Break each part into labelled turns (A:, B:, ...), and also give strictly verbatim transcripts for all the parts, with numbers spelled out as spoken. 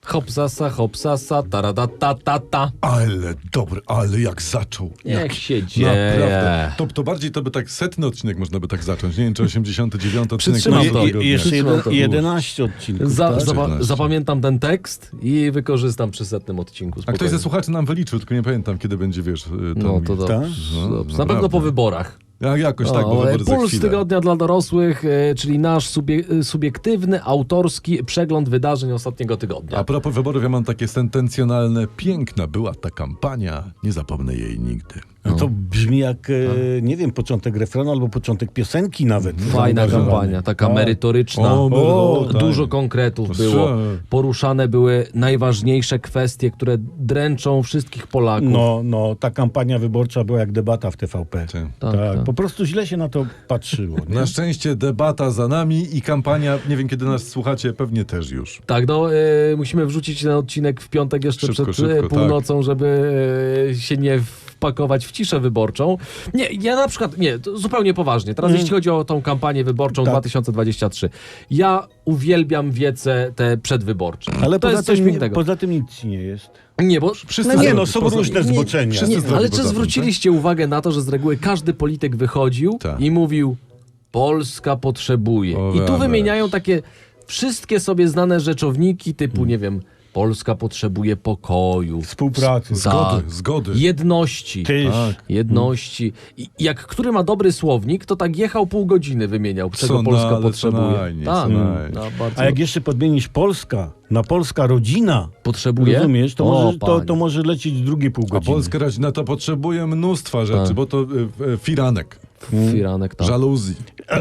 A: Hopsasa, hopsasa, taradatata.
B: Ale dobry, ale jak zaczął.
A: Niech
B: jak,
A: się dzieje.
B: Naprawdę. To, to bardziej to by tak setny odcinek można by tak zacząć. Nie wiem, czy osiemdziesiąty dziewiąty odcinek.
A: Przytrzymam
B: tego
A: to.
B: dnia.
C: I, i jeszcze
A: Przytrzymam
C: jeden,
A: to.
C: jedenaście odcinków.
A: Za,
C: tak?
A: zapa-
B: czternaście.
A: zapamiętam ten tekst i wykorzystam przy setnym odcinku.
B: A ktoś
A: spokojnie.
B: ze słuchaczy nam wyliczył, tylko nie pamiętam, kiedy będzie, wiesz... Ten...
A: No to dobrze.
C: Tak?
B: No,
A: dobrze. Na
B: naprawdę.
A: pewno po wyborach.
B: Ja, jakoś tak, bo
A: O,
B: wybory za
A: Puls
B: chwilę.
A: tygodnia dla dorosłych, e, czyli nasz subie- subiektywny, autorski przegląd wydarzeń ostatniego tygodnia.
B: A propos wyborów, ja mam takie sentencjonalne. Piękna była ta kampania, nie zapomnę jej nigdy.
C: No to brzmi jak, e, nie wiem, początek refrenu albo początek piosenki nawet.
A: Fajna
C: Zaangażowany.
A: kampania, taka
C: Tak.
A: merytoryczna.
B: O,
A: O,
B: tak.
A: dużo konkretów
B: To
A: było.
B: strze-
A: Poruszane były najważniejsze kwestie, które dręczą wszystkich Polaków.
C: No, no, ta kampania wyborcza była jak debata w T V P.
B: Tak.
A: Tak,
C: Tak,
A: tak.
C: po prostu źle się na to patrzyło. Nie?
B: Na szczęście debata za nami i kampania, nie wiem kiedy nas słuchacie, pewnie też już.
A: Tak, no e, musimy wrzucić ten odcinek w piątek jeszcze
B: Szybko,
A: przed
B: szybko,
A: e, północą, żeby e, się nie wpakować w ciszę wyborczą. Nie, ja na przykład, nie, to zupełnie poważnie. Teraz
C: Mm.
A: jeśli chodzi o tą kampanię wyborczą
C: Tak.
A: dwa tysiące dwudziesty trzeci. Ja uwielbiam wiece te przedwyborcze.
C: Ale
A: to
C: poza
A: jest coś
C: tym,
A: pięknego.
C: poza tym nic ci nie jest.
A: Nie, bo
B: Wszyscy
C: No nie,
B: zdrowi,
C: no są
B: poza-
C: różne
B: nie,
C: zboczenia.
B: wszyscy
A: Nie,
B: zdrowi
A: ale
B: poza
A: czy
B: tym,
A: zwróciliście uwagę na to, że z reguły każdy polityk wychodził
B: Tak.
A: i mówił Polska potrzebuje.
B: O,
A: I tu
B: weź.
A: wymieniają takie wszystkie sobie znane rzeczowniki typu,
B: Hmm.
A: nie wiem, Polska potrzebuje pokoju,
C: Współpracy.
B: Zgody,
A: Tak.
B: zgody.
A: jedności.
C: Tyż.
B: Tak.
A: Jedności. I jak który ma dobry słownik, to tak jechał pół godziny wymieniał, czego
B: Co
A: Polska
B: na- ale co
A: potrzebuje.
B: najmniej,
A: tak.
B: co najmniej.
A: No, bardzo
C: A jak jeszcze podmienisz Polska na Polska rodzina,
A: potrzebuje.
C: rozumiesz, to,
A: O,
C: może, to,
A: panie.
C: to może lecieć drugie pół
B: A
C: godziny.
B: polska rodzina to potrzebuje mnóstwa rzeczy,
A: Tak.
B: bo to y, y, firanek,
A: Firanek, tak.
B: żaluzji,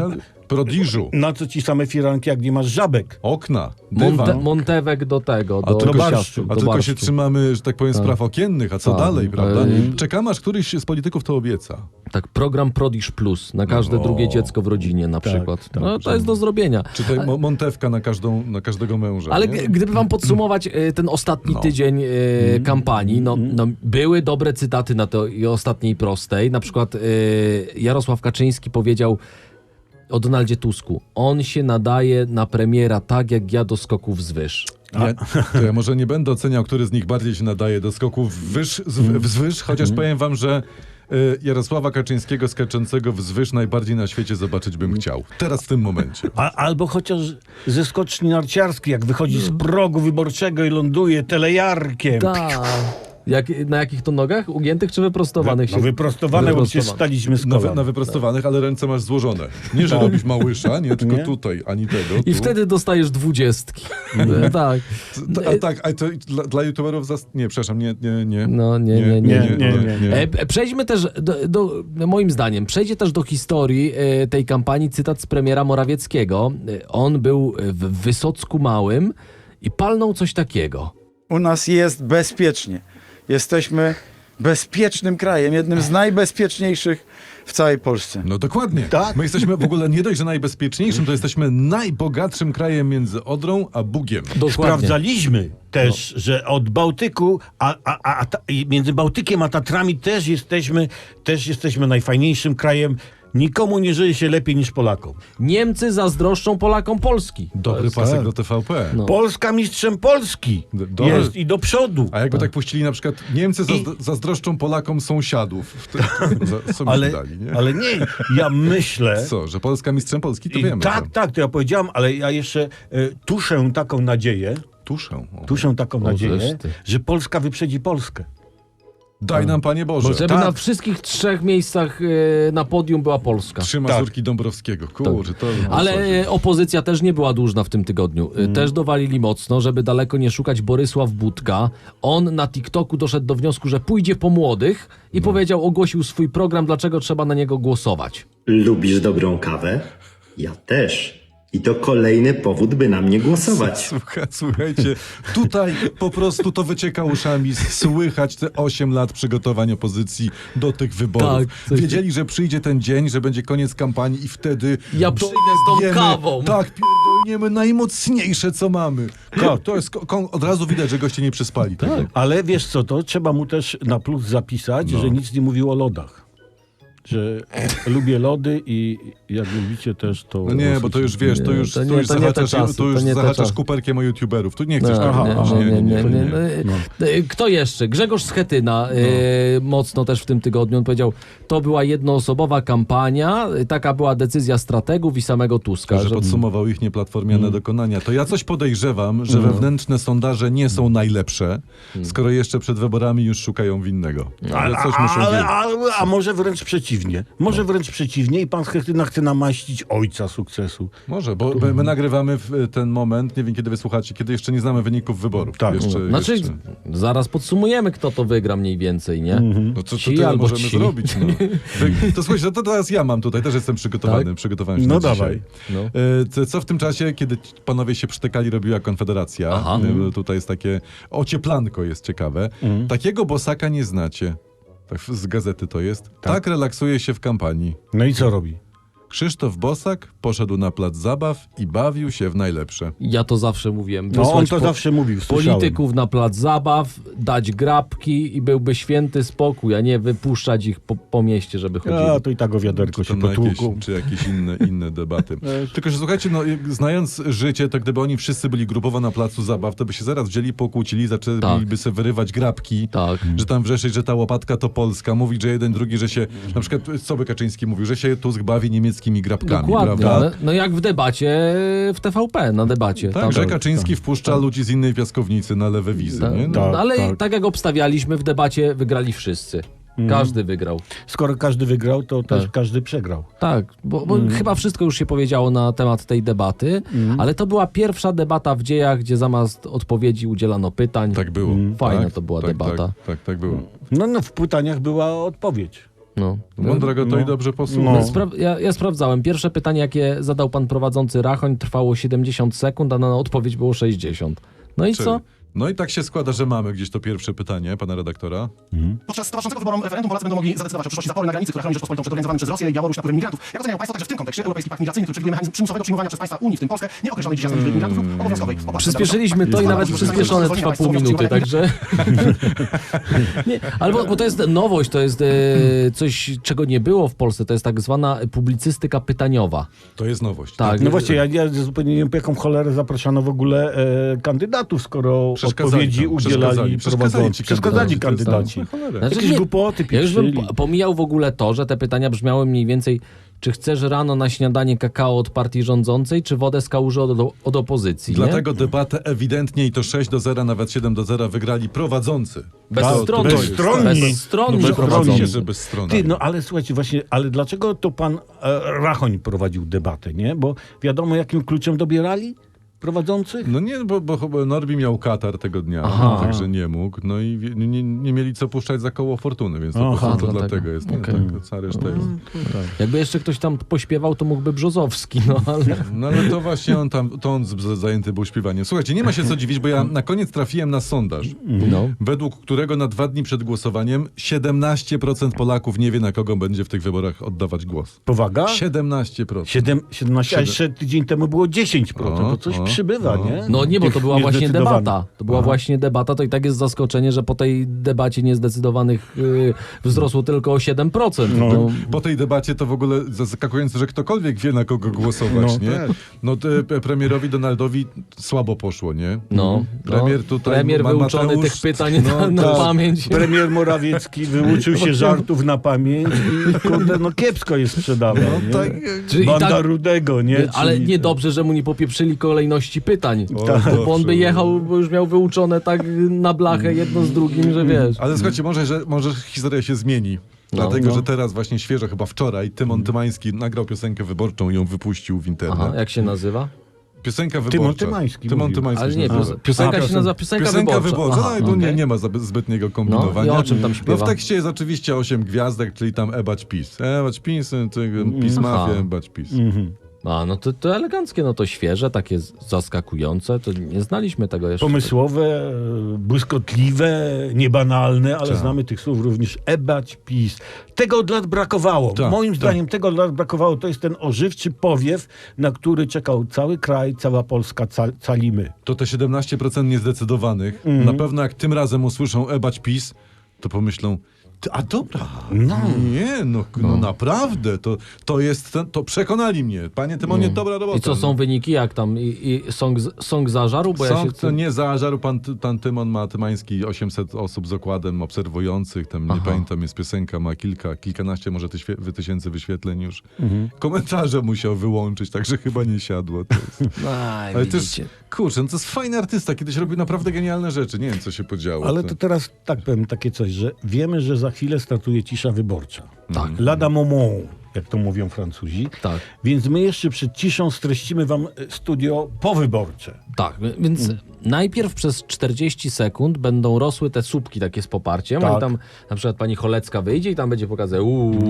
B: prodiżu,
C: Na co ci same firanki, jak nie masz żabek?
B: okna,
A: Monte,
B: dywan.
A: Montewek do tego,
B: A
A: do,
B: tylko,
A: do
C: barszczu.
A: siaszczu,
B: a
A: do
B: tylko się
A: barszczu.
B: trzymamy, że tak powiem, spraw okiennych, a co
A: Tak.
B: dalej, prawda?
A: Ej.
B: Czekamy, aż któryś z polityków to obieca.
A: Tak, program Prodiż Plus na każde
B: No.
A: drugie dziecko w rodzinie na
C: Tak,
A: przykład.
C: tak,
A: no, to jest do zrobienia.
B: Czy tutaj mo- montewka na, każdą, na każdego męża.
A: Ale
B: nie?
A: g- gdyby wam podsumować e, ten ostatni
B: No.
A: tydzień e, kampanii, no, no były dobre cytaty na tej ostatniej prostej. Na przykład e, Jarosław Kaczyński powiedział o Donaldzie Tusku. On się nadaje na premiera tak, jak ja do skoków wzwyż.
B: Ja, to ja może nie będę oceniał, który z nich bardziej się nadaje do skoków wyż, z, wzwyż, chociaż powiem wam, że y, Jarosława Kaczyńskiego skaczącego wzwyż najbardziej na świecie zobaczyć bym chciał. Teraz w tym momencie.
C: A, albo chociaż ze skoczni narciarskiej, jak wychodzi z progu wyborczego i ląduje telejarkiem.
A: Tak. Jak, na jakich to nogach? Ugiętych czy wyprostowanych?
C: No
A: się-
C: wyprostowane, bo przecież
A: Wyprostowane.
C: staliśmy z
B: Na, wy,
C: kolan.
B: na wyprostowanych, ale ręce masz złożone. Nie, że robisz małysza, nie, tylko
C: Nie?
B: tutaj, ani tego.
A: I
B: tu.
A: wtedy dostajesz dwudziestki. E, tak.
B: T- A tak, a to dla, dla youtuberów zas... Nie, przepraszam, nie, nie, nie.
A: No nie, nie, nie.
C: nie, nie, nie.
A: E, p- Przejdźmy też, do, do, moim zdaniem, przejdzie też do historii e, tej kampanii cytat z premiera Morawieckiego. E, On był w Wysocku Małym i palnął coś takiego.
D: U nas jest bezpiecznie. Jesteśmy bezpiecznym krajem, jednym z najbezpieczniejszych w całej Polsce.
B: No dokładnie.
C: Tak.
B: My jesteśmy w ogóle nie dość, że najbezpieczniejszym, to jesteśmy najbogatszym krajem między Odrą a Bugiem.
A: Dokładnie.
C: Sprawdzaliśmy też, że od Bałtyku, a, a, a, a ta, i między Bałtykiem a Tatrami też jesteśmy, też jesteśmy najfajniejszym krajem. Nikomu nie żyje się lepiej niż Polakom.
A: Niemcy zazdroszczą Polakom Polski.
B: Dobry
C: tak.
B: pasek do T V P.
A: No.
C: Polska mistrzem Polski
B: D- dobry.
C: jest i do przodu.
B: A jakby tak puścili na przykład Niemcy zazdro- zazdroszczą Polakom sąsiadów. Wtedy, za- co
C: Ale,
B: ale, dali, nie?
C: ale nie, ja myślę...
B: Co, że Polska mistrzem Polski, to
C: I
B: wiemy.
C: tak,
B: że-
C: tak, to ja powiedziałam, ale ja jeszcze y, tuszę taką nadzieję,
B: Tuszę. O.
C: tuszę taką nadzieję,
A: żeż ty.
C: że Polska wyprzedzi Polskę.
B: Daj nam, Panie Boże.
A: Żeby
C: tak.
A: na wszystkich trzech miejscach e, na podium była Polska.
B: Trzy Mazurki Dąbrowskiego. Kurczę, to...
A: Ale e, opozycja też nie była dłużna w tym tygodniu. E, Też dowalili mocno, żeby daleko nie szukać Borysław Budka. On na TikToku doszedł do wniosku, że pójdzie po młodych i powiedział, ogłosił swój program, dlaczego trzeba na niego głosować.
E: Lubisz dobrą kawę? Ja też. I to kolejny powód, by na mnie głosować.
B: Słuchaj, słuchajcie, tutaj po prostu to wycieka uszami, słychać te osiem lat przygotowań opozycji do tych wyborów.
A: Tak, coś-
B: Wiedzieli, że przyjdzie ten dzień, że będzie koniec kampanii i wtedy...
A: Ja przyjdę z tą
B: dojebiemy-
A: kawą.
B: Tak, pierdolniemy najmocniejsze, co mamy. To, to jest, ko- ko- od razu widać, że goście nie przyspali tego.
C: Ale wiesz co, to trzeba mu też na plus zapisać,
B: No.
C: że nic nie mówił o lodach. że lubię lody i jak lubicie też to...
B: No nie, bo to już wiesz, to
A: Nie,
B: już,
A: to
B: tu
A: nie-
B: już
A: to nie te
B: zahaczasz,
A: czasy,
B: tu już
A: to nie te
B: zahaczasz
A: czasy.
B: kuperkiem o youtuberów. Tu nie chcesz
A: No,
B: tego.
C: aha,
B: robić.
C: aha.
A: nie, nie,
B: to
A: nie, no. Y, Kto jeszcze? Grzegorz Schetyna y, mocno też w tym tygodniu. On powiedział, to była jednoosobowa kampania, y, taka była decyzja strategów i samego Tuska.
B: Że
A: że-
B: podsumował ich nieplatformiane dokonania. To ja coś podejrzewam, że wewnętrzne sondaże nie są najlepsze, skoro jeszcze przed wyborami już szukają winnego. Ale coś muszą
C: ale,
B: wiedzieć.
C: ale, a może wręcz przeciwnie. Może wręcz przeciwnie i pan Schetyna chce namaścić ojca sukcesu.
B: Może, bo my, my nagrywamy w ten moment, nie wiem kiedy wysłuchacie, kiedy jeszcze nie znamy wyników wyborów.
C: Tak.
B: Jeszcze,
A: Znaczy,
B: jeszcze.
A: zaraz podsumujemy, kto to wygra mniej więcej, nie?
B: No to, to
A: Ci
B: tyle
A: albo
B: możemy
A: ci.
B: zrobić. No. Wy- To słuchajcie, to teraz ja mam tutaj, też jestem przygotowany,
A: Tak?
B: przygotowałem się
C: No
B: na
C: dawaj.
B: dzisiaj.
A: No.
B: E, co- Co w tym czasie, kiedy ci panowie się przytekali, robiła Konfederacja?
A: Aha.
B: E, Tutaj jest takie ocieplanko, jest ciekawe. Takiego bosaka nie znacie. Tak z gazety to jest. Tak. relaksuje się w kampanii.
C: No i co robi?
B: Krzysztof Bosak poszedł na plac zabaw i bawił się w najlepsze.
A: Ja to zawsze mówiłem.
C: No on
A: wysłać
C: to
A: po-
C: zawsze mówił, słyszałem.
A: polityków na plac zabaw, dać grabki i byłby święty spokój, a nie wypuszczać ich po, po mieście, żeby chodzili.
C: A, to i tak o wiaderko
B: Czy,
C: się
B: tam na jakieś,
C: potłuką.
B: czy jakieś inne, inne debaty. Tylko, że słuchajcie, no, jak- znając życie, to gdyby oni wszyscy byli grupowo na placu zabaw, to by się zaraz wzięli, pokłócili, zaczęliby
A: Tak.
B: sobie wyrywać grabki,
A: Tak.
B: że tam wrzeszczeć, że ta łopatka to Polska, mówić, że jeden, drugi, że się, na przykład co by Kaczyński mówił, że się Tusk bawi niemieckimi grabkami,
A: Dokładnie.
B: prawda?
A: Ale, no jak w debacie w T V P, na debacie.
B: Tak,
A: Tam-
B: że Kaczyński wpuszcza ludzi z innej piaskownicy na lewe wizy,
A: Tak,
B: nie? No.
C: tak.
A: ale tak.
C: tak.
A: jak obstawialiśmy w debacie, wygrali wszyscy. Każdy wygrał.
C: Skoro każdy wygrał, to też
A: Tak.
C: każdy przegrał.
A: Tak, bo, bo chyba wszystko już się powiedziało na temat tej debaty, ale to była pierwsza debata w dziejach, gdzie zamiast odpowiedzi udzielano pytań.
B: Tak było.
A: Fajna
B: tak,
A: to była
B: tak,
A: debata.
B: Tak, tak, tak było.
C: No, no w pytaniach była odpowiedź.
A: No.
B: Mądrego to
C: No.
B: i dobrze posłuchał.
C: No.
A: No, spra- ja, ja sprawdzałem. Pierwsze pytanie, jakie zadał pan prowadzący Rachoń, trwało siedemdziesiąt sekund, a na odpowiedź było sześćdziesiąt. No i
B: Czyli-
A: co?
B: No i tak się składa, że mamy gdzieś to pierwsze pytanie pana redaktora.
F: Podczas towarzyszącego wyborom referendum Polacy będą mogli zadecydować o przyszłości zapory na granicy, która chroni Rzeczpospolitą przed organizowanym przez Rosję i Białoruś napływem migrantów. Jak oceniają Państwo także w tym kontekście Europejski Pakt Migracyjny, który przewiduje mechanizm przymusowego przyjmowania przez państwa Unii, w tym Polskę, nieokreślonej dziś jasnej liczby migrantów lub obowiązkowej opłaty.
A: Przyspieszyliśmy to i nawet przyspieszone trwa pół minuty, także... nie, ale bo, bo to jest nowość, to jest e, coś, czego nie było w Polsce, to jest tak zwana publicystyka pytaniowa.
B: To jest nowość.
A: Tak.
C: No właśnie, ja, ja zupełnie nie wiem, po jaką cholerę zapraszano w ogóle e, kandydatów, skoro
B: Przeszkadzali
C: odpowiedzi
B: tam,
C: udzielali
B: przeszkadzali, przeszkadzali
C: prowadzący.
B: ci
C: Przeszkadzali
B: kandydaci, to jest
C: kandydaci.
B: tam, cholera.
A: Znaczy,
C: Jakieś
A: nie,
C: głupoty
A: ja już bym
C: pieprzyli.
A: po- pomijał w ogóle to, że te pytania brzmiały mniej więcej, czy chcesz rano na śniadanie kakao od partii rządzącej, czy wodę z kałuży od, od opozycji, nie?
B: Dlatego debatę ewidentnie i to sześć do zera, nawet siedem do zera wygrali prowadzący.
A: Bezstronni.
B: To- to jest-
C: Bezstronni.
A: Bezstronni
B: No,
A: prowadzący.
B: oczywiście, że bezstronna.
C: Ty, no ale słuchajcie, właśnie, ale dlaczego to pan e, Rachoń prowadził debatę, nie? Bo wiadomo, jakim kluczem dobierali prowadzących?
B: No nie, bo, bo chyba Norbi miał katar tego dnia,
A: Aha.
B: także nie mógł. No i wie- nie, nie mieli co puszczać za koło fortuny, więc to,
C: Aha,
B: po prostu
A: dlatego.
B: dlatego jest.
A: Okej.
B: Nie, tak, cała reszta jest.
A: Jakby jeszcze ktoś tam pośpiewał, to mógłby Brzozowski, no ale...
B: No ale to właśnie on tam, to on z- z- zajęty był śpiewaniem. Słuchajcie, nie ma się co dziwić, bo ja na koniec trafiłem na sondaż,
A: No.
B: według którego na dwa dni przed głosowaniem siedemnaście procent Polaków nie wie, na kogo będzie w tych wyborach oddawać głos.
C: Powaga?
B: siedemnaście procent.
C: Siedem, siedemnaście, a jeszcze tydzień temu było dziesięć procent.
B: O,
C: To coś
B: o,
C: przybywa,
B: o.
C: nie?
A: No nie, bo
C: Tych
A: to była właśnie
C: niezdecydowanych.
A: debata. To była właśnie debata, to i tak jest zaskoczenie, że po tej debacie niezdecydowanych yy, wzrosło tylko o siedem procent.
C: No.
A: No.
B: Po tej debacie to w ogóle zaskakujące, że ktokolwiek wie, na kogo głosować,
C: No
B: nie?
C: tak.
B: No te, pe- premierowi Donaldowi słabo poszło, nie?
A: No,
B: Premier
A: no.
B: tutaj,
A: Premier
B: Ma-
A: wyuczony
B: Mateusz-
A: tych pytań
B: no,
A: na, na
C: tak.
A: pamięć.
C: Premier Morawiecki wyuczył się żartów na pamięć i kurde, no kiepsko je sprzedawał. nie?
B: tak,
A: Czyli i
C: Banda
A: tak,
C: Rudego, nie?
A: ale
C: Czyli-
A: niedobrze, że mu nie popieprzyli kolejności pytań.
B: O,
A: Bo on
B: dobrze.
A: by jechał, bo już miał wyuczone tak na blachę jedno z drugim, że wiesz.
B: Ale słuchajcie, może, że, może historia się zmieni. Dlatego,
A: no.
B: że teraz właśnie świeżo, chyba wczoraj, Tymon Tymański nagrał piosenkę wyborczą i ją wypuścił w internet.
A: Aha, jak się nazywa?
B: Piosenka wyborcza.
C: Tymon Tymański
B: Tymon
C: mówił.
B: Tymański
A: Ale
B: się
A: nie,
B: nazywa.
A: pios- piosenka
C: A,
A: się
C: piosen-
A: nazywa piosenka,
B: Piosenka
A: wyborcza.
B: wyborcza,
A: Aha,
B: no i tu nie,
A: okej.
B: nie ma zbyt- zbytniego kombinowania.
A: No, i o czym tam śpiewa?
B: No w tekście jest oczywiście osiem gwiazdek, czyli tam ebać PiS. Ebać PiS, PiS Mafia,
A: Aha.
B: ebać PiS.
C: Mhm.
A: A, no to, to eleganckie, no to świeże, takie z- zaskakujące, to nie znaliśmy tego jeszcze.
C: Pomysłowe, e, błyskotliwe, niebanalne, ale
B: Tak.
C: znamy tych słów również ebać, PiS. Tego od lat brakowało.
B: Tak,
C: Moim
B: tak.
C: zdaniem tego od lat brakowało. To jest ten ożywczy powiew, na który czekał cały kraj, cała Polska, ca calimy.
B: To te siedemnaście procent niezdecydowanych,
A: Mhm.
B: na pewno jak tym razem usłyszą ebać PiS, to pomyślą, A dobra.
C: No.
B: Nie, no, no naprawdę, to, to jest, ten, to przekonali mnie. Panie Tymonie, dobra robota.
A: I co są wyniki, jak tam? I, i song, z- song zażarł? Bo ja
B: Sąd
A: się...
B: to nie zażarł, pan, pan Tymon ma Tymański osiemset osób z okładem obserwujących, tam nie
A: Aha.
B: pamiętam, jest piosenka, ma kilka, kilkanaście może tyświe, wy- tysięcy wyświetleń już.
A: Mhm.
B: Komentarze musiał wyłączyć, także chyba nie siadło. To jest.
A: Aj,
B: Ale też,
A: widzicie.
B: kurczę, no to jest fajny artysta, kiedyś robił naprawdę genialne rzeczy, nie wiem co się podziało.
C: Ale to teraz tak powiem takie coś, że wiemy, że za chwilę startuje cisza wyborcza.
A: Tak.
C: Lada moment, jak to mówią Francuzi.
A: Tak.
C: Więc my jeszcze przed ciszą streścimy wam e, studio powyborcze.
A: Tak, więc
C: Mm.
A: najpierw przez czterdzieści sekund będą rosły te słupki takie z poparciem,
C: Tak.
A: i tam na przykład pani Cholecka wyjdzie i tam będzie pokazać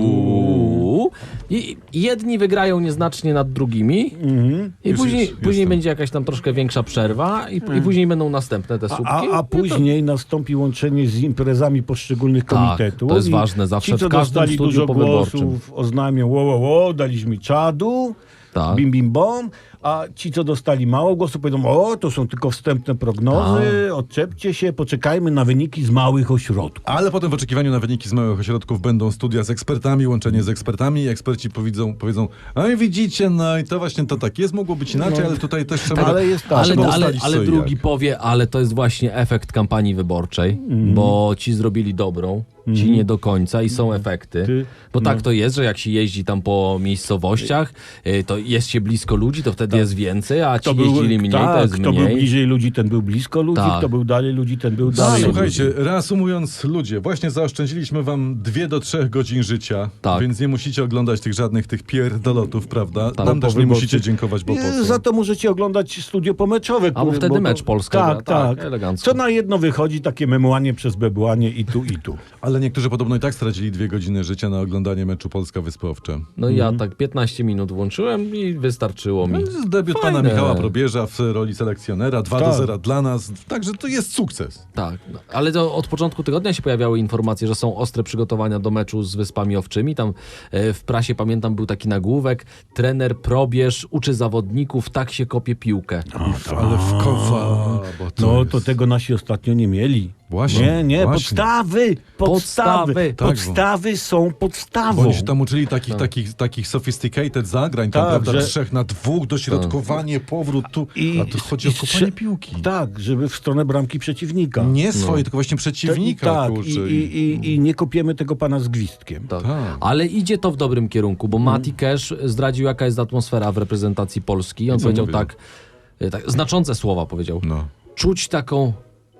A: uuu, i i jedni wygrają nieznacznie nad drugimi
C: Mhm.
A: i
B: Już,
A: później,
B: już,
A: później
B: jestem.
A: będzie jakaś tam troszkę większa przerwa i, i później będą następne te słupki.
C: A, a później nastąpi łączenie z imprezami poszczególnych
A: Tak,
C: komitetów.
A: to jest
C: i
A: ważne zawsze
C: Ci, co
A: w każdym
C: dostali
A: studiu
C: dużo
A: powyborczym.
C: głosów, oznajmią, wo, wo, wo, daliśmy czadu,
A: Tak.
C: bim, bim, bom, a ci, co dostali mało głosów, powiedzą, o, to są tylko wstępne prognozy,
A: Tak.
C: odczepcie się, poczekajmy na wyniki z małych ośrodków.
B: Ale potem w oczekiwaniu na wyniki z małych ośrodków będą studia z ekspertami, łączenie z ekspertami i eksperci powiedzą, powiedzą, a widzicie, no i to właśnie to tak jest, mogło być inaczej, ale tutaj też trzeba...
C: Ale jest tak.
A: Ale,
B: trzeba
A: ale,
B: ustalić
A: ale
B: co i
A: drugi
B: jak.
A: powie, ale to jest właśnie efekt kampanii wyborczej,
C: Mhm.
A: bo ci zrobili dobrą, ci nie do końca i są efekty.
C: Ty-
A: Bo tak
C: no.
A: to jest, że jak się jeździ tam po miejscowościach, y, to jest się blisko ludzi, to wtedy jest więcej, a ci jeździli mniej,
C: tak,
A: to jest
C: kto był
A: mniej.
C: bliżej ludzi, ten był blisko ludzi,
A: Tak.
C: kto był dalej ludzi, ten był dalej.
B: Słuchajcie,
C: ludzi.
B: reasumując, ludzie, właśnie zaoszczędziliśmy wam dwie do trzech godzin życia,
A: Tak.
B: więc nie musicie oglądać tych żadnych tych pierdolotów, prawda?
A: Tak.
B: Nam
C: Po
B: też nie
C: wyborcy.
B: musicie dziękować, bo po
C: Nie,
B: co?
C: za to możecie oglądać studio pomeczowe.
A: Albo
C: które-
A: wtedy
C: bo to-
A: mecz Polska
C: Tak,
A: gra, tak,
C: tak.
A: elegancko.
C: Co na jedno wychodzi, takie memłanie przez bebłanie i tu, i tu.
B: Ale niektórzy podobno i tak stracili dwie godziny życia na oglądanie meczu Polska-Wyspy Owcze.
A: No i ja tak piętnaście minut włączyłem i wystarczyło mi.
B: To jest debiut pana
A: Fajne.
B: Michała Probierza w roli selekcjonera, dwa do
C: Tak.
B: zera dla nas, także to jest sukces.
A: Tak, no, ale to od początku tygodnia się pojawiały informacje, że są ostre przygotowania do meczu z Wyspami Owczymi. Tam e, w prasie, pamiętam, był taki nagłówek: trener Probierz uczy zawodników, tak się kopie piłkę.
B: Ale w kowa, bo to
C: No
B: jest...
C: to tego nasi ostatnio nie mieli.
B: Właśnie,
C: Nie, nie,
B: właśnie.
C: podstawy, podstawy,
A: Podstawy.
B: Tak,
C: podstawy są podstawą.
B: Bo oni się tam uczyli takich, takich, takich sophisticated zagrań, tam,
C: Tak,
B: prawda,
C: że-
B: trzech na dwóch, dośrodkowanie, powrót tu, a tu chodzi o
C: i
B: kopanie
C: strze-
B: piłki.
C: Tak, żeby w stronę bramki przeciwnika.
B: Nie swoje, tylko właśnie
C: Te-
B: przeciwnika,
C: tak,
B: kurczę.
C: i, i, i, i nie kopiemy tego pana z gwizdkiem.
A: Tak.
B: Tak.
A: Ale idzie to w dobrym kierunku, bo Mati Cash zdradził, jaka jest atmosfera w reprezentacji Polski. On
B: co
A: powiedział
B: powiedział?
A: tak, e, tak, znaczące słowa powiedział.
B: No.
A: Czuć taką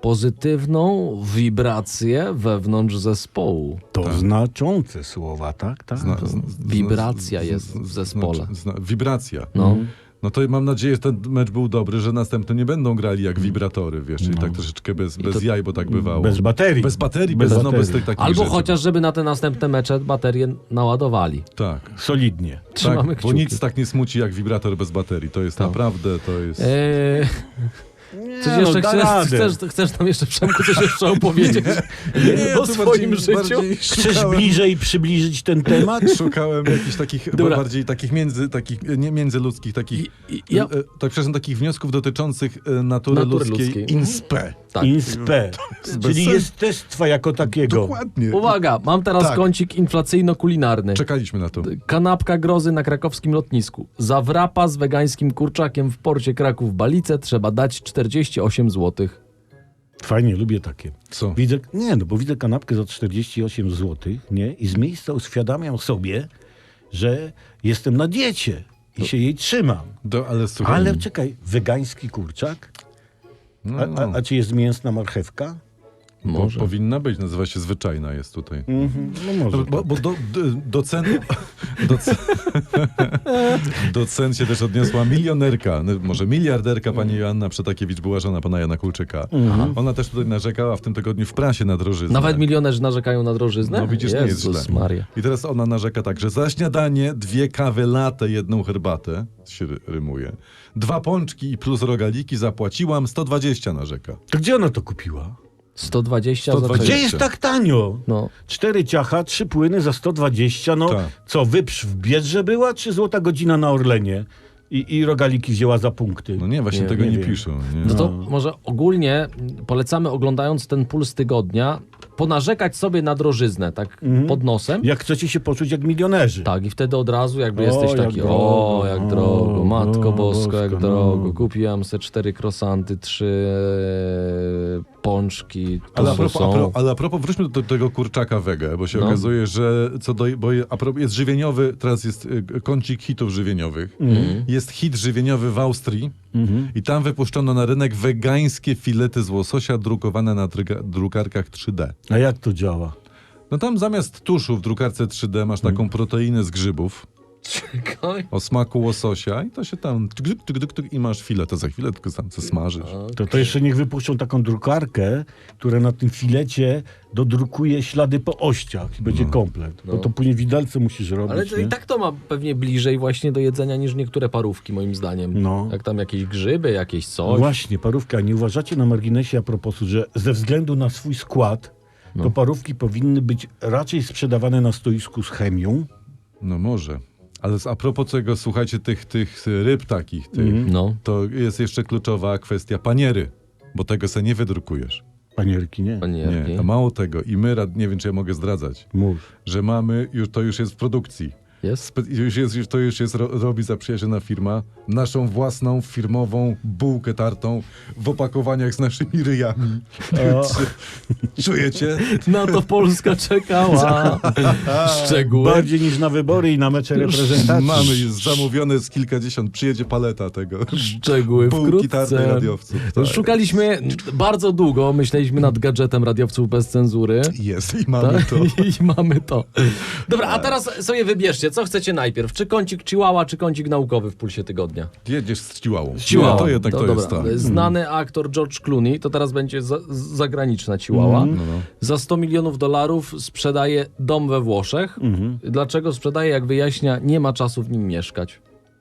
A: pozytywną wibrację wewnątrz zespołu.
C: To znaczące słowa, tak? tak.
B: Zna,
C: to...
B: z- z-
A: Wibracja
B: z-
A: jest
B: z-
A: w zespole.
B: Znaczy, zna, wibracja.
A: No.
B: No to mam nadzieję, że ten mecz był dobry, że następny nie będą grali jak wibratory, wiesz, czyli tak troszeczkę bez, bez jaj, bo tak bywało.
C: Bez baterii.
B: Bez baterii,
C: Bez
B: bez, no, bez
C: baterii.
B: tych takich
A: Albo
B: rzeczy.
A: chociaż, żeby na te następne mecze baterie naładowali.
B: Tak.
C: Solidnie.
A: Trzymamy
B: Tak, bo
A: kciuki.
B: nic tak nie smuci jak wibrator bez baterii. To jest
A: Tak.
B: naprawdę, to jest...
A: Eee,
C: Nie,
A: coś jeszcze
C: no, da
A: chcesz,
C: radę.
A: chcesz, chcesz nam jeszcze, Przemku, coś jeszcze opowiedzieć
B: Nie,
A: o
B: tu
A: swoim
B: bardziej-
A: życiu?
B: bardziej
C: Chcesz
B: szukałem-
C: bliżej przybliżyć ten temat?
B: Szukałem jakichś takich,
A: Dobra.
B: bardziej takich między, takich, nie międzyludzkich, takich,
A: I- i- ja-
B: e, e, tak przepraszam, takich wniosków dotyczących e, natury,
A: Natury
B: ludzkiej,
A: ludzkiej.
B: inspe.
A: Tak.
C: Inspe,
B: bez
C: czyli
B: sensu.
C: jestestwa jako takiego.
B: Dokładnie.
A: Uwaga, mam teraz
B: Tak.
A: kącik inflacyjno-kulinarny.
B: Czekaliśmy na to.
A: Kanapka grozy na krakowskim lotnisku. Za wrapa z wegańskim kurczakiem w porcie Kraków-Balice trzeba dać czterdzieści osiem złotych.
C: Fajnie, lubię takie.
B: Co?
C: Widzę, nie, no bo widzę kanapkę za czterdzieści osiem złotych, nie? I z miejsca uświadamiam sobie, że jestem na diecie i się jej trzymam.
B: Do, ale słuchaj,
C: Ale czekaj, wegański kurczak?
B: no,
C: A,
B: no,
C: a, a czy jest mięsna marchewka?
B: bo
A: Może.
B: powinna być, nazywa się zwyczajna jest tutaj.
C: Mhm, no może.
B: Bo, bo do, do, docen, docen, docen się też odniosła milionerka, no, może miliarderka pani Joanna Przetakiewicz, była żona pana Jana Kulczyka. Ona też tutaj narzekała w tym tygodniu w prasie na drożyznę.
A: Nawet milionerzy narzekają na drożyznę?
B: No widzisz, nie jest
A: Jezus
B: źle.
A: Maria.
B: I teraz ona narzeka tak, że za śniadanie dwie kawy latte, jedną herbatę, się ry- rymuje, dwa pączki i plus rogaliki zapłaciłam sto dwadzieścia, narzeka.
C: To gdzie ona to kupiła?
A: sto dwadzieścia
B: sto
A: za
B: dwadzieścia.
C: Gdzie jest tak tanio?
A: No.
C: Cztery ciacha, trzy płyny za sto dwadzieścia. No
B: Tak.
C: co, wyprz w Biedrze była, czy złota godzina na Orlenie? I, i rogaliki wzięła za punkty.
B: No nie, właśnie
A: Nie,
B: tego
C: nie
B: nie,
C: wiem.
B: piszą. Nie?
A: No to może ogólnie polecamy, oglądając ten Puls Tygodnia, ponarzekać sobie na drożyznę, tak pod nosem.
C: Jak chcecie się poczuć jak milionerzy.
A: Tak, i wtedy od razu jakby
C: O,
A: jesteś
C: jak
A: taki,
C: drogo,
A: o, jak
C: o,
A: drogo, matko
C: o,
A: bosko, jak
C: bosko,
A: drogo.
C: no.
A: Kupiłam se cztery krosanty, trzy e, pączki, to
B: Ale a,
A: są.
B: propos, a, pro, ale a propos, wróćmy do tego kurczaka wege, bo się
A: No.
B: okazuje, że co do, bo je- a propos, jest żywieniowy, teraz jest y, kącik hitów żywieniowych.
A: Mhm.
B: Jest hit żywieniowy w Austrii i tam wypuszczono na rynek wegańskie filety z łososia drukowane na dryga, drukarkach trzy D.
C: A jak to działa?
B: No tam zamiast tuszu w drukarce trzy D masz taką proteinę z grzybów
A: Czekaj.
B: o smaku łososia i to się tam tyk, tyk, tyk, tyk, tyk, i masz filet, to za chwilę tylko tam co smażysz.
C: To, to jeszcze niech wypuszczą taką drukarkę, która na tym filecie dodrukuje ślady po ościach i będzie komplet. Bo to później widelce musisz robić.
A: Ale to
C: nie?
A: i tak to ma pewnie bliżej właśnie do jedzenia niż niektóre parówki, moim zdaniem.
C: No.
A: Jak tam jakieś grzyby, jakieś
C: No
A: coś.
C: właśnie, parówka. Nie uważacie na marginesie a propos, że ze względu na swój skład,
A: No.
C: to parówki powinny być raczej sprzedawane na stoisku z chemią?
B: No może. Ale a propos tego, słuchajcie, tych, tych ryb takich, tych,
A: No.
B: to jest jeszcze kluczowa kwestia paniery, bo tego se nie wydrukujesz.
C: Panierki, nie?
A: Panierki.
B: Nie, a mało tego. I my, rad- nie wiem, czy ja mogę zdradzać,
C: Mów.
B: że mamy, już, to już jest w produkcji.
A: Jest?
B: Spe- już jest, już, to już jest, ro, robi zaprzyjaźniona firma, naszą własną firmową bułkę tartą w opakowaniach z naszymi ryjami.
C: O,
B: Czujecie?
A: Na to Polska czekała. Szczegóły.
C: bardziej niż na wybory i na mecze reprezentacji.
B: Mamy, jest zamówione z kilkadziesiąt, przyjedzie paleta tego.
A: Szczegóły
B: Bułki tartej
A: wkrótce.
B: radiowców. Tak.
A: Szukaliśmy bardzo długo, myśleliśmy nad gadżetem radiowców bez cenzury.
B: Jest i mamy
A: Tak?
B: to.
A: I mamy to. Dobra, a teraz sobie wybierzcie, co chcecie najpierw? Czy kącik Chihuahua, czy kącik naukowy w Pulsie Tygodnia?
B: Jedziesz z Chihuahua.
A: Chihuahua.
B: Nie, to jednak to,
A: dobra.
B: jest tak.
A: Znany aktor George Clooney, to teraz będzie za, zagraniczna Chihuahua.
B: No, no.
A: Za sto milionów dolarów sprzedaje dom we Włoszech. Dlaczego sprzedaje? Jak wyjaśnia, nie ma czasu w nim mieszkać.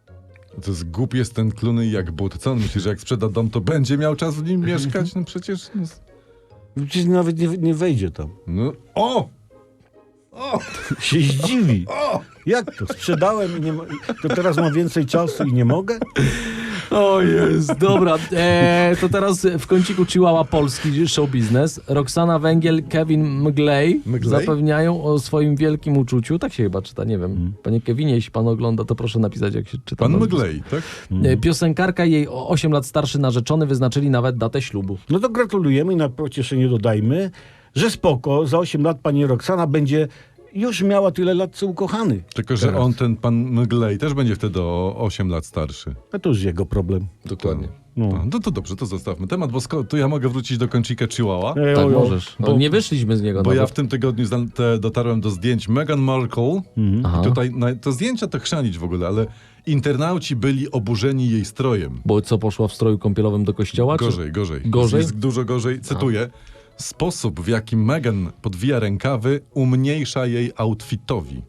B: To jest głupi jest ten Clooney jak but. Co on myśli, że jak sprzeda dom, to będzie miał czas w nim mieszkać? No przecież... No,
C: Przecież nawet nie, nie wejdzie tam.
B: no. O!
C: Się zdziwi. Jak to? Sprzedałem i nie mo- to teraz mam więcej czasu i nie mogę?
A: O jest, dobra. E, to teraz w kąciku Chihuahua polski show biznes. Roxana Węgiel, Kevin Mglej
B: Mglej?
A: zapewniają o swoim wielkim uczuciu. Tak się chyba czyta, nie wiem. Panie Kevinie, jeśli pan ogląda, to proszę napisać, jak się czyta.
B: Pan
A: nazwisko.
B: Mglej, tak?
A: E, Piosenkarka i jej o osiem lat starszy narzeczony wyznaczyli nawet datę ślubu.
C: No to gratulujemy i na pocieszenie dodajmy, że spoko, za osiem lat pani Roxana będzie już miała tyle lat, co ukochany.
B: Tylko, że on, ten pan Mglej, też będzie wtedy o osiem lat starszy.
C: A to już jego problem.
A: Dokładnie.
C: No.
B: No, no to dobrze, to zostawmy temat, bo sko- tu ja mogę wrócić do kącika Chihuahua,
C: Ej,
A: Tak,
C: ojo,
A: możesz. No,
C: bo-
A: nie wyszliśmy z niego
B: bo ja
A: nawet.
B: w tym tygodniu zna- te, dotarłem do zdjęć Meghan Markle.
A: Aha.
B: I tutaj na, to zdjęcia to chrzanić w ogóle, ale internauci byli oburzeni jej strojem.
A: Bo co, poszła w stroju kąpielowym do kościoła? czy-
B: Gorzej, gorzej.
A: Gorzej?
B: Jest dużo gorzej. Cytuję. Sposób, w jaki Meghan podwija rękawy, umniejsza jej outfitowi.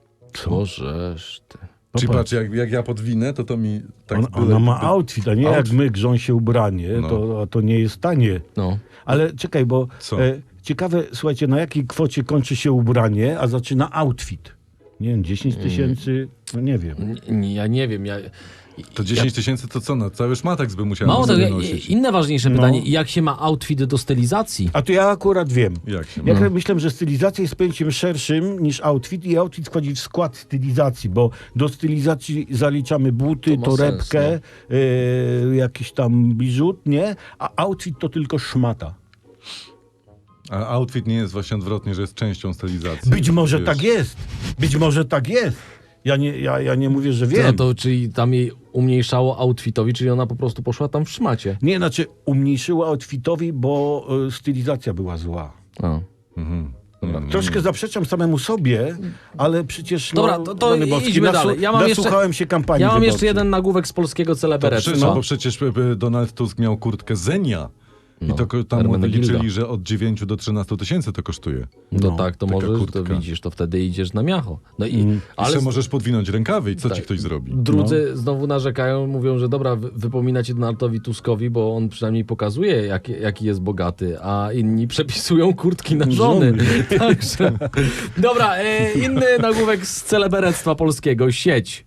A: Bożeż ty.
B: Czyli
C: Popatrz.
B: patrz, jak, jak ja podwinę, to to mi tak
C: On,
B: byle-
C: ona ma outfit, a nie jak
B: Outfit.
C: my grząsie się ubranie,
B: No.
C: to, a to nie jest tanie.
A: No.
C: Ale czekaj, bo
B: Co?
C: e, ciekawe, słuchajcie, na jakiej kwocie kończy się ubranie, a zaczyna outfit? Nie wiem, dziesięć tysięcy, no nie wiem.
A: N- Ja nie wiem, ja...
B: To dziesięć tysięcy to co? No, cały szmatek by musiała
A: Mało
B: sobie
A: tego,
B: nosić.
A: inne ważniejsze
C: No.
A: pytanie. Jak się ma outfit do stylizacji?
C: A to ja akurat wiem.
B: Jak się
C: Ja
B: ma?
C: myślę, że stylizacja jest pojęciem szerszym niż outfit i outfit wchodzi w skład stylizacji, bo do stylizacji zaliczamy buty,
A: To ma
C: torebkę,
A: sens,
C: e, jakiś tam biżut, nie? A outfit to tylko szmata.
B: A outfit nie jest właśnie odwrotnie, że jest częścią stylizacji.
C: Być może
B: Wiesz.
C: tak jest. Być może tak jest. Ja nie, ja, ja nie mówię, że
A: No
C: wiem.
A: to czyli tam jej umniejszało outfitowi, czyli ona po prostu poszła tam w szmacie.
C: Nie, znaczy umniejszyła outfitowi, bo e, stylizacja była zła.
A: A.
B: Mhm. Mhm.
C: Troszkę zaprzeczam samemu sobie, ale przecież...
A: Dobra,
C: no,
A: to- to
C: Rany Boskie,
A: idźmy
C: nasu-
A: dalej. Ja mam jeszcze-
C: nasłuchałem się kampanii
A: Ja mam jeszcze
C: wyborczej.
A: jeden nagłówek z polskiego
B: To
A: celeberectwa.
B: przecież, bo przecież e, Donald Tusk miał kurtkę Zenia. I
A: No,
B: to ko- tam mu
A: Hermenegilda.
B: wyliczyli, że od dziewięciu do trzynastu tysięcy to kosztuje.
A: No,
C: No,
A: tak, to
B: taka
A: możesz, to
B: kurtka.
A: widzisz, to wtedy idziesz na miacho. No i,
C: Mm.
B: Ale
A: ale
B: możesz podwinąć rękawy i co ci
A: Tak.
B: ktoś zrobi?
A: drudzy
C: No.
A: znowu narzekają, mówią, że dobra, wy- wypominacie Donaldowi Tuskowi, bo on przynajmniej pokazuje, jak, jaki jest bogaty, a inni przepisują kurtki na żony. Także, dobra, e, inny nagłówek z celeberectwa polskiego, sieć.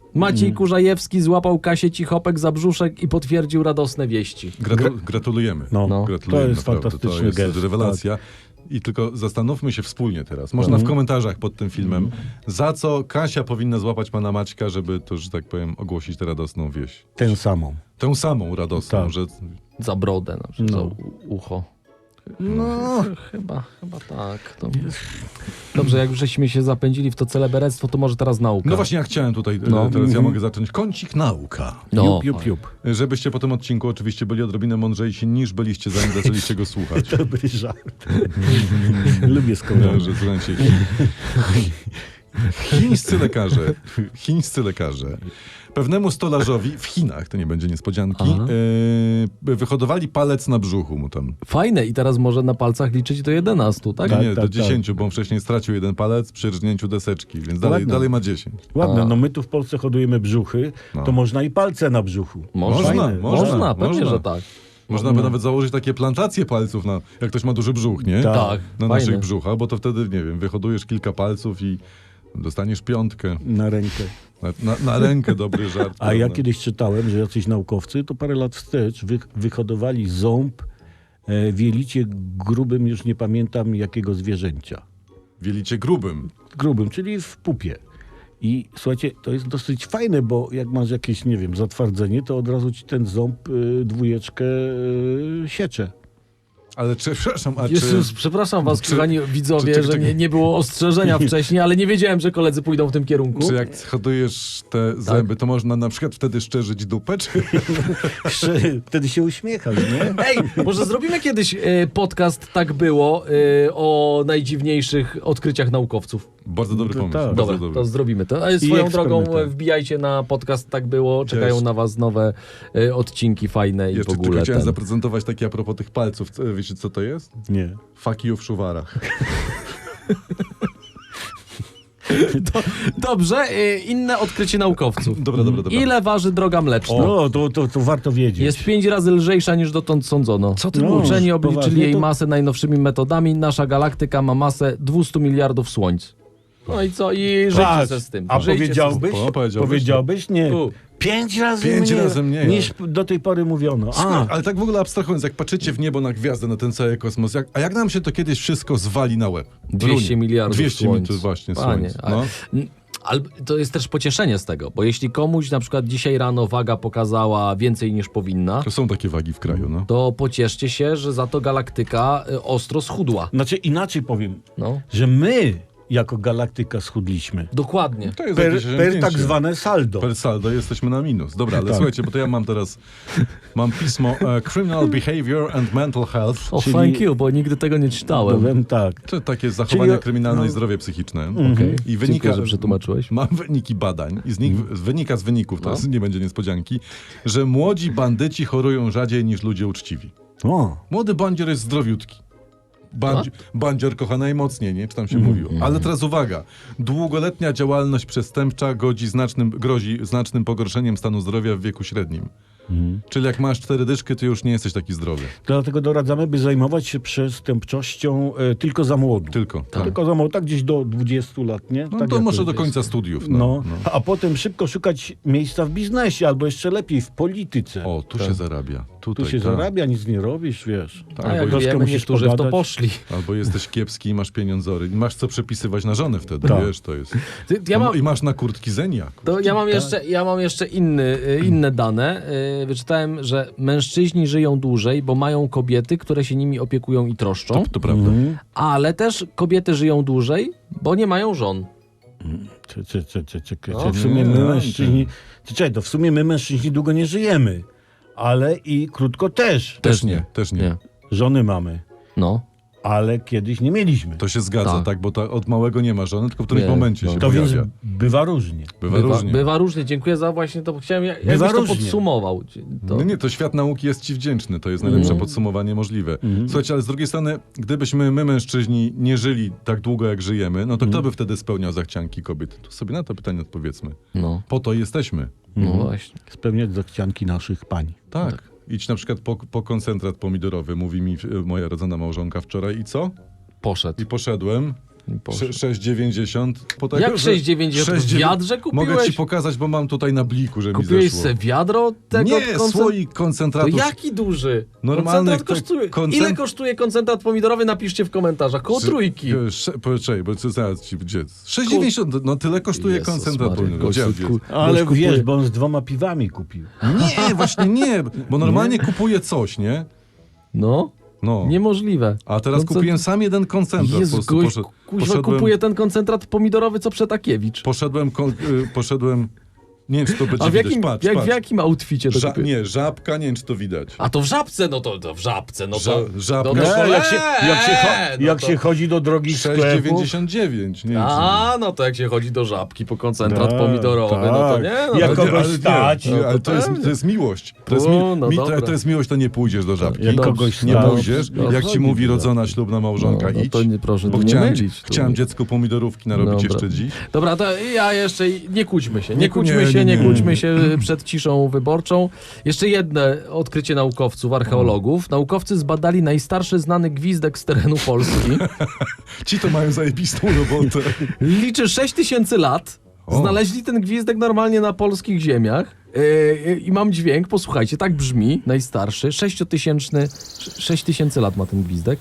A: Maciej Kurzajewski złapał Kasię Cichopek za brzuszek i potwierdził radosne wieści.
B: Gratu- gratulujemy.
C: No,
A: No.
B: Gratulujemy,
C: to jest
B: naprawdę.
C: fantastyczny
B: To jest
C: gest.
B: rewelacja. I tylko zastanówmy się wspólnie teraz. Można w komentarzach pod tym filmem, za co Kasia powinna złapać pana Maćka, żeby to, że tak powiem, ogłosić tę radosną wieść.
C: Tak, tę samą.
B: Tę samą radosną,
C: Tak.
B: że
A: Za brodę, na przykład,
C: No.
A: za u- ucho.
C: No,
A: Chyba, chyba tak. To... Dobrze, jak już żeśmy się zapędzili w to celeberectwo, to może teraz nauka.
B: No właśnie, ja chciałem tutaj,
A: No.
B: e, teraz ja mogę zacząć. Kącik nauka.
A: No,
C: jup, jup, jup.
B: Żebyście po tym odcinku oczywiście byli odrobinę mądrzejsi niż byliście zanim zaczęliście go słuchać.
C: Dobry żart. Lubię
B: No,
C: skoro.
B: że słuchajcie, chi- chińscy lekarze, chińscy lekarze pewnemu stolarzowi w Chinach, to nie będzie niespodzianki,
A: Aha.
B: e, wyhodowali palec na brzuchu mu tam.
A: Fajne i teraz może na palcach liczyć do jedenastu, tak?
B: Nie,
C: Tak,
B: nie,
C: tak,
B: do
C: tak.
B: dziesięciu, bo on wcześniej stracił jeden palec przy rżnięciu deseczki, więc dalej,
C: Ładne.
B: dalej ma dziesięć.
C: Ładne,
A: A.
C: no my tu w Polsce hodujemy brzuchy,
B: No.
C: to można i palce na brzuchu.
A: Można,
B: Można,
C: Fajne.
B: można.
A: Można, pewnie,
B: można.
A: że tak.
B: Można by nawet założyć takie plantacje palców, na, jak ktoś ma duży brzuch, nie?
C: Tak.
A: Tak,
B: Na
A: fajne.
B: naszych brzuchach, bo to wtedy, nie wiem, wyhodujesz kilka palców i dostaniesz piątkę.
C: Na rękę.
B: Na, na, na rękę dobry żart.
C: A ja
B: prawda?
C: kiedyś czytałem, że jacyś naukowcy to parę lat wstecz wy, wyhodowali ząb e, w jelicie grubym, już nie pamiętam jakiego zwierzęcia.
B: Wielicie grubym.
C: Grubym, czyli w pupie. I słuchajcie, to jest dosyć fajne, bo jak masz jakieś, nie wiem, zatwardzenie, to od razu ci ten ząb y, dwójeczkę y, siecze.
B: Ale czy, przepraszam, a
A: Jezus,
B: czy...
A: przepraszam was,
B: czy-
A: kochani widzowie,
B: czy- czy-
A: że
B: czy-
A: nie, nie było ostrzeżenia wcześniej, ale nie wiedziałem, że koledzy pójdą w tym kierunku.
B: Czy jak hodujesz te
A: Tak.
B: zęby, to można na przykład wtedy szczerzyć dupę, czy...
C: Wtedy się uśmiechasz, nie?
A: Ej, może zrobimy kiedyś e, podcast Tak było e, o najdziwniejszych odkryciach naukowców.
B: Bardzo dobry
C: To
B: pomysł.
C: tak.
B: Bardzo
A: Dobra,
B: dobry.
A: to zrobimy to. A swoją drogą
C: eksperymenty.
A: e, wbijajcie na podcast Tak było, czekają
B: Cześć.
A: na was nowe e, odcinki fajne i
B: Jeszcze
A: w
B: tylko
A: ogóle
B: chciałem
A: ten.
B: zaprezentować takie a propos tych palców. Co- Wiecie, co to jest?
C: Nie.
B: Fuck you w szuwarach.
A: Do, dobrze, e, inne odkrycie naukowców.
B: Dobra, dobra, dobra.
A: Ile waży droga mleczna?
C: No, to, to, to warto wiedzieć.
A: Jest pięć razy lżejsza niż dotąd sądzono. Co
C: ty mówisz?
A: Uczeni obliczyli
C: Poważnie
A: jej
C: to-
A: masę najnowszymi metodami. Nasza galaktyka ma masę dwieście miliardów słońc. No i co? I żyjcie
C: Patrz,
A: ze z tym.
C: A
A: Żyjcie
C: powiedziałbyś?
B: O, powiedziałbyś?
C: Powiedziałbyś? Nie.
A: U.
C: Pięć razy
B: Pięć
C: mniej,
B: razy mniej,
C: niż do tej pory mówiono.
B: A,
C: A,
B: ale tak w ogóle abstrahując, jak patrzycie w niebo na gwiazdę, na ten cały kosmos, jak, a jak nam się to kiedyś wszystko zwali na łeb?
A: dwieście
B: Runie.
A: miliardów
B: dwieście
A: słońc.
B: to właśnie
A: Panie,
B: słońc.
A: ale-
B: No.
A: N- Ale to jest też pocieszenie z tego, bo jeśli komuś na przykład dzisiaj rano waga pokazała więcej niż powinna,
B: To są takie wagi w kraju, no.
A: to pocieszcie się, że za to galaktyka y, ostro schudła.
C: znaczy inaczej powiem,
A: No,
C: że my jako galaktyka schudliśmy.
A: dokładnie.
B: To jest
C: Per,
B: jakieś
C: per
B: osiągnięcie.
C: tak zwane saldo.
B: Per saldo jesteśmy na minus. Dobra, ale
C: Tak.
B: słuchajcie, bo to ja mam teraz, mam pismo e, Criminal Behavior and Mental Health.
A: O,
C: Czyli-
A: thank you, bo nigdy tego nie czytałem.
C: Powiem tak.
B: To takie zachowania
C: Czyli-
B: kryminalne i
C: no.
B: zdrowie psychiczne.
A: Okej.
B: I wynika,
A: Dziękuję, że przetłumaczyłeś.
B: Mam wyniki badań i z nich wynika z wyników, to
A: No.
B: jest, nie będzie niespodzianki, że młodzi bandyci chorują rzadziej niż ludzie uczciwi.
C: O,
B: Młody bandzior jest zdrowiutki. Bandzi- bandzior kocha najmocniej, nie? Czy tam się mówiło. Ale teraz uwaga. Długoletnia działalność przestępcza godzi znacznym, grozi znacznym pogorszeniem stanu zdrowia w wieku średnim. Czyli jak masz cztery dyszki, to już nie jesteś taki zdrowy.
C: dlatego doradzamy, by zajmować się przestępczością e, tylko za młodu.
B: Tylko. Tak.
C: Tylko za młodu, tak gdzieś do dwudziestu lat, nie?
B: No
C: tak
B: to
C: jak
B: może do
C: jest.
B: końca studiów.
C: No,
B: No, no.
C: a potem szybko szukać miejsca w biznesie, albo jeszcze lepiej w polityce.
B: O, tu się zarabia. Tutaj,
C: tu się
B: tak.
C: zarabia, nic nie robisz, wiesz.
B: Tak,
A: A
B: bo
A: jak
C: troszkę
A: wiemy,
C: musisz
A: niektórzy w to
C: pogadać.
A: poszli.
B: Albo jesteś kiepski i masz pieniądzory. I masz co przepisywać na żonę wtedy,
C: Tak.
B: wiesz, to jest.
A: Ty- Ja mam,
B: I masz na kurtki zenia.
A: to ja mam jeszcze, ja mam jeszcze inny, y, inne dane. Y, Wyczytałem, że mężczyźni żyją dłużej, bo mają kobiety, które się nimi opiekują i troszczą,
B: To, to prawda.
C: Mhm.
A: ale też kobiety żyją dłużej, bo nie mają żon.
C: Cze- cze- cze- cze- cze-
A: No.
C: cze- W sumie my
B: Nie,
C: mężczyźni... Czekaj, to w sumie my mężczyźni długo nie żyjemy, ale i krótko też.
B: Też nie, też nie.
A: Nie.
C: Żony mamy,
A: No.
C: ale kiedyś nie mieliśmy.
B: To się zgadza, tak,
A: Tak.
B: bo ta, od małego nie ma żony, tylko w którymś
A: Nie,
B: momencie
A: no.
B: się
C: To więc
B: pojawia.
C: bywa różnie.
B: Bywa,
A: Bywa,
B: różnie.
A: bywa różnie. Dziękuję za właśnie to. Chciałem, ja-
C: Bywa
A: jakbyś to
C: różnie.
A: podsumował. To,
B: No nie, to świat nauki jest ci wdzięczny, to jest najlepsze
A: Mhm.
B: podsumowanie możliwe. Słuchajcie, ale z drugiej strony, gdybyśmy my mężczyźni nie żyli tak długo, jak żyjemy, no to kto by wtedy spełniał zachcianki kobiet? To sobie na to pytanie odpowiedzmy.
A: no,
B: Po to jesteśmy.
A: no właśnie.
C: Spełniać zachcianki naszych pań.
B: Tak. Idź na przykład po, po koncentrat pomidorowy, mówi mi e, moja rodzona małżonka wczoraj i co?
A: Poszedł.
B: I poszedłem.
A: Poszedł.
B: sześć dziewięćdziesiąt. Po tego,
A: Jak
B: że-
A: sześć dziewięćdziesiąt?
B: sześć
A: W
B: dziewię-
A: wiadrze kupiłeś?
B: Mogę ci pokazać, bo mam tutaj na bliku, że mi
A: Kupiłeś
B: zeszło.
A: se wiadro tego
B: Nie,
A: koncentrat-
B: słoik
A: To
B: koncentratu.
A: jaki duży?
B: Normalny
A: Koncentrat
B: ko-
A: kosztuje.
B: koncent-
A: Ile kosztuje koncentrat pomidorowy? Napiszcie w komentarzach. Koło trójki.
B: Poczekaj, bo co zaraz ci gdzie? sześć dziewięćdziesiąt, no tyle kosztuje
A: Jezus
B: koncentrat.
A: Maria,
B: pomidorowy.
A: gościu,
B: Gdzie on
A: ku-
B: jest?
C: Ale
A: gość
C: wiesz,
A: kupuje-
C: bo on z dwoma piwami kupił.
B: Nie, właśnie nie, bo normalnie kupuję coś, nie?
A: No,
B: No.
A: niemożliwe.
B: A teraz
A: Koncent-
B: kupiłem sam jeden koncentrat. po
A: Jezu,
B: prostu
A: gość
B: poszedł,
A: kuźwa
B: poszedłem,
A: kupuje ten koncentrat pomidorowy, co Przetakiewicz.
B: poszedłem, ko- y, poszedłem, nie wiem, czy to będzie
A: A w
B: widać,
A: jakim,
B: patrz,
A: jak,
B: patrz.
A: w jakim outficie to
B: Ża-
A: kupiłeś?
B: nie, żabka, nie wiem, czy to widać.
A: A to w żabce, no to, to w żabce, no to...
B: Ża- żabka.
A: no to
C: Nie, jak się, jak się, cho-
A: eee, no
C: jak
A: to-
C: się chodzi do drogich
B: sześć
C: sklepów...
B: dziewięćdziesiąt dziewięć, nie wiem, czy...
A: A, no to jak się chodzi do żabki po koncentrat
C: Tak,
A: pomidorowy, no to
C: tak.
A: nie, no
C: Jak
A: to,
C: kogoś
B: ale nie,
C: stać,
B: nie,
A: no to
B: ale to jest,
A: pewnie.
B: to jest miłość. To jest,
A: O,
B: mi,
A: no
B: mi,
A: dobra.
B: to, to jest miłość, to nie pójdziesz do żabki.
C: Jak kogoś
B: nie
C: stać,
B: pójdziesz,
A: no,
B: jak ci
C: chodzi
B: mówi
C: do
B: rodzona ślubna małżonka,
A: No, no
B: idź.
A: to nie, proszę
B: bo
A: tu nie
B: chciałem,
A: mylić, tu
B: chciałem
A: nie.
B: dziecku pomidorówki narobić
A: Dobra.
B: jeszcze dziś.
A: Dobra, to ja jeszcze nie kłóćmy się, nie,
B: Nie,
A: kłóćmy
B: nie,
A: się, nie,
B: nie, nie.
A: kłóćmy się przed ciszą wyborczą. Jeszcze jedno odkrycie naukowców, archeologów. Naukowcy zbadali najstarszy znany gwizdek z terenu Polski.
B: Ci to mają zajebistą robotę.
A: Liczy sześć tysięcy lat.
B: O.
A: Znaleźli ten gwizdek normalnie na polskich ziemiach. Yy, I mam dźwięk, posłuchajcie, tak brzmi, najstarszy, sześciotysięczny, sześć tysięcy lat ma ten gwizdek.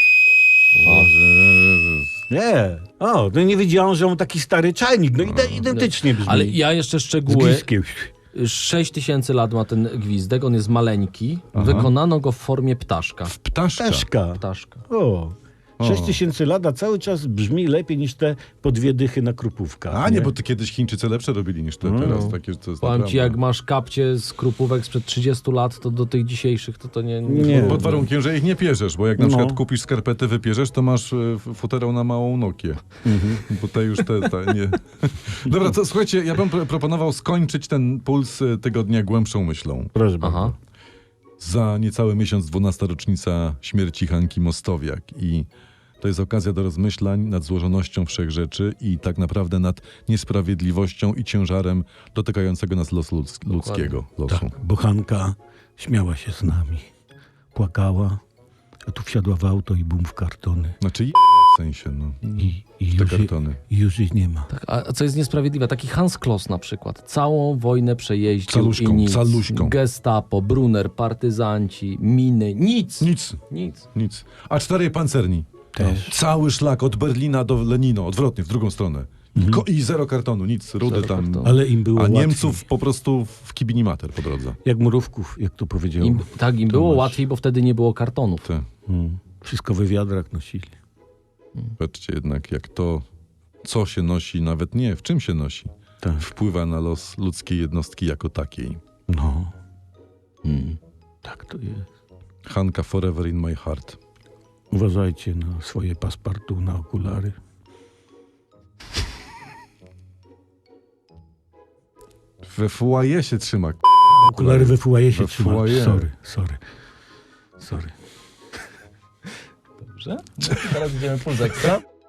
C: Nie. O, no nie wiedziałem, że on taki stary czajnik. No ide- identycznie brzmi.
A: Ale ja jeszcze
C: Z
A: szczegóły.
C: gliskiem.
A: sześć tysięcy lat ma ten gwizdek, on jest maleńki. Wykonano go w formie ptaszka.
B: Ptaszka.
C: Peszka.
A: Ptaszka.
C: O. sześć tysięcy lat, a cały czas brzmi lepiej niż te po dwie dychy na krupówkach.
B: A nie, bo to kiedyś Chińczycy lepsze robili niż te teraz. Takie, to jest
A: Powiem
B: naprawdę-
A: ci, jak masz kapcie z krupówek sprzed trzydziestu lat, to do tych dzisiejszych to to nie...
C: Nie.
B: Pod warunkiem, że ich nie pierzesz, bo jak na
C: No.
B: przykład kupisz skarpety, wypierzesz, to masz e, f- futerał na małą Nokię. Bo te już te, te nie. Dobra, to słuchajcie, ja bym pro- proponował skończyć ten puls e, tygodnia głębszą myślą.
C: Proszę bardzo.
A: Aha.
B: Za niecały miesiąc dwunasta rocznica śmierci Hanki Mostowiak i to jest okazja do rozmyślań nad złożonością wszechrzeczy i tak naprawdę nad niesprawiedliwością i ciężarem dotykającego nas losu ludz- ludzkiego. Losu.
C: Tak, bochanka śmiała się z nami. Płakała, a tu wsiadła w auto i bum w kartony.
B: Znaczy je- w sensie, no.
C: I, i
B: Te
C: już, jej-
B: kartony.
C: i już jej nie ma.
A: Tak, a co jest niesprawiedliwe, taki Hans Kloss na przykład, całą wojnę przejeździł
B: Caluszką,
A: i nic.
B: caluśką.
A: Gestapo, Brunner, partyzanci, miny, nic.
B: Nic,
A: Nic.
B: nic. A cztery pancerni.
C: Też.
B: Cały szlak od Berlina do Lenino, odwrotnie, w drugą stronę. I, ko- i zero kartonu, nic, rudy
A: Zero
B: tam.
A: kartonu.
C: Ale im było
B: A
C: łatwiej.
B: Niemców po prostu w kibinimater po drodze.
C: Jak mrówków, jak to powiedział.
A: Im, tak, im było
C: Tomasz.
A: łatwiej, bo wtedy nie było kartonów.
B: Te.
C: Mm. Wszystko we wiadrach nosili.
B: Patrzcie jednak, jak to, co się nosi, nawet nie, w czym się nosi,
C: Tak.
B: wpływa na los ludzkiej jednostki jako takiej.
C: No,
A: Hmm.
C: tak to jest.
B: Hanka forever in my heart.
C: Uważajcie na swoje paspartu, na okulary.
B: We foyer się trzyma.
C: Okulary we fuaje się
B: We
C: trzyma.
B: foyer.
C: Sorry, sorry. Sorry.
A: Dobrze? Teraz idziemy puls ekstra.